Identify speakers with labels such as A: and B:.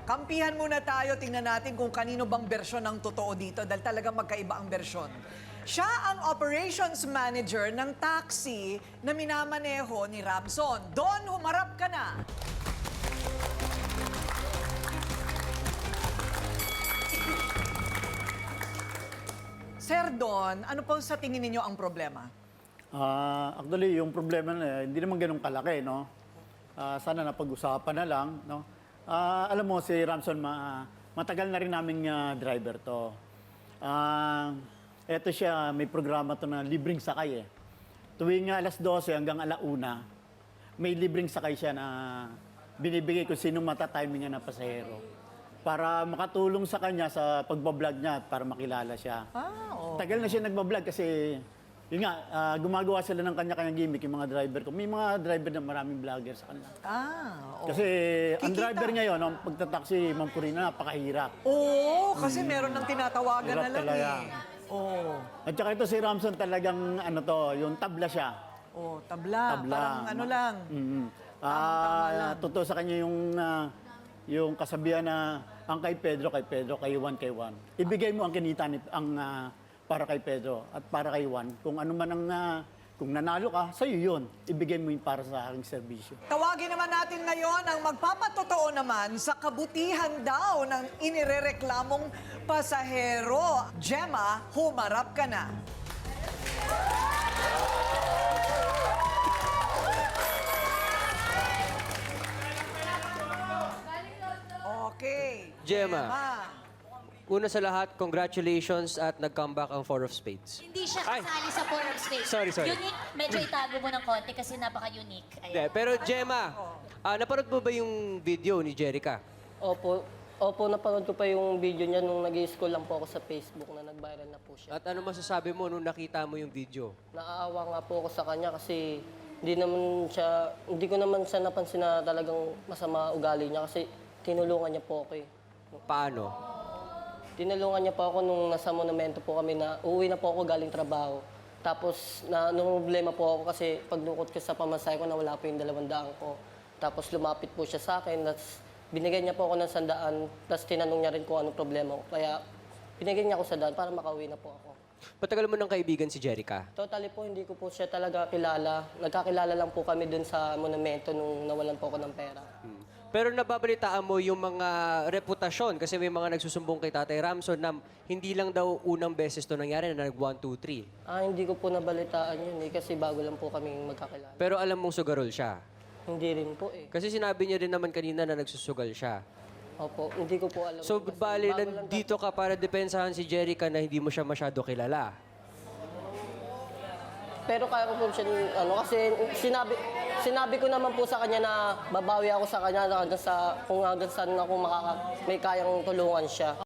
A: kampihan muna tayo. Tingnan natin kung kanino bang bersyon ang totoo dito dahil talagang magkaiba ang bersyon. Siya ang operations manager ng taxi na minamaneho ni Ramson. Don, humarap ka na. Sir Don, ano po sa tingin ninyo ang problema?
B: Actually, yung problema na hindi naman ganun kalaki, no? Sana napag-usapan na lang, no? Alam mo, si Ramson, matagal na rin naming driver to. Eto siya, may programa to na libreng sakay eh. Tuwing alas 12 hanggang alauna, may libreng sakay siya na binibigay kung sino matatiming na pasahero. Para makatulong sa kanya sa pagbablog niya at para makilala siya.
A: Oo.
B: Tagal na siya nagbablog kasi yun nga, gumagawa sila ng kanya-kanyang gimmick yung mga driver ko. May mga driver na maraming vlogger sa kanila.
A: Oo.
B: Kasi ang
A: Kikita.
B: driver ngayon, ang pagtataksi, Ma'am Purina, napakahirap.
A: Oo, kasi meron ng tinatawagan
B: Hirap
A: na lang
B: talaga.
A: eh. Oo.
B: At saka ito si Ramson talagang ano to, yung tabla siya.
A: Oh, tabla.
B: Tabla.
A: Parang ano lang. Tamang-tama lang.
B: Totoo sa kanya yung kasabihan na ang kay Pedro, kay Juan, kay Juan. Ibigay mo ang kinita para kay Pedro at para kay Juan. Kung ano man ang, kung nanalo ka, sa'yo yun. Ibigay mo yung para sa aking serbisyo.
A: Tawagin naman natin ngayon ang magpapatotoo naman sa kabutihan daw ng inirereklamong pasahero. Gemma, humarap ka na. Okay.
C: Gemma. Una sa lahat, congratulations at nag-comeback ang Four of Spades.
D: Hindi siya
C: Ay.
D: kasali sa Four of Spades.
C: Sorry.
D: Unique, medyo itago mo ng konti kasi napaka-unique.
C: Hindi,
D: Ayan.
C: pero Gemma, napanood mo ba yung video ni Jerica?
E: Opo, napanood ko pa yung video niya nung nag-i-school lang po ako sa Facebook na nag-viral na po siya.
C: At ano masasabi mo nung nakita mo yung video?
E: Naaawa nga po ako sa kanya kasi hindi ko naman siya napansin na talagang masama ugali niya kasi tinulungan niya po ako eh.
C: Paano?
E: Tinulungan niya po ako nung nasa monumento po kami na uuwi na po ako galing trabaho. Tapos nung problema po ako kasi pagdukot ko sa pamasahe ko nawala po yung 200 ko. Tapos lumapit po siya sa akin. Tapos binigyan niya po ako ng 100. Tapos tinanong niya rin kung anong problema ko. Kaya binigyan niya ako 100 para makauwi na po ako.
C: Patagal mo ng kaibigan si Jerica?
E: Totally po, hindi ko po siya talaga kilala. Nagkakilala lang po kami dun sa monumento nung nawalan po ako ng pera.
C: Pero nababalitaan mo yung mga reputasyon kasi may mga nagsusumbong kay Tatay Ramson na hindi lang daw unang beses to nangyari na nag 1, 2, 3.
E: Hindi ko po nabalitaan yun eh, kasi bago lang po kami magkakilala.
C: Pero alam mong sugarol siya.
E: Hindi rin po eh.
C: Kasi sinabi niya rin naman kanina na nagsusugal siya.
E: Opo, hindi ko po alam.
C: So,
E: kasi
C: bali,
E: bago lang
C: nandito ka para depensahan si Jerica na hindi mo siya masyado kilala.
E: Pero kaya ko po siya, kasi sinabi ko naman po sa kanya na babawi ako sa kanya hanggang sa, kung hanggang saan ako may kayang tulungan siya.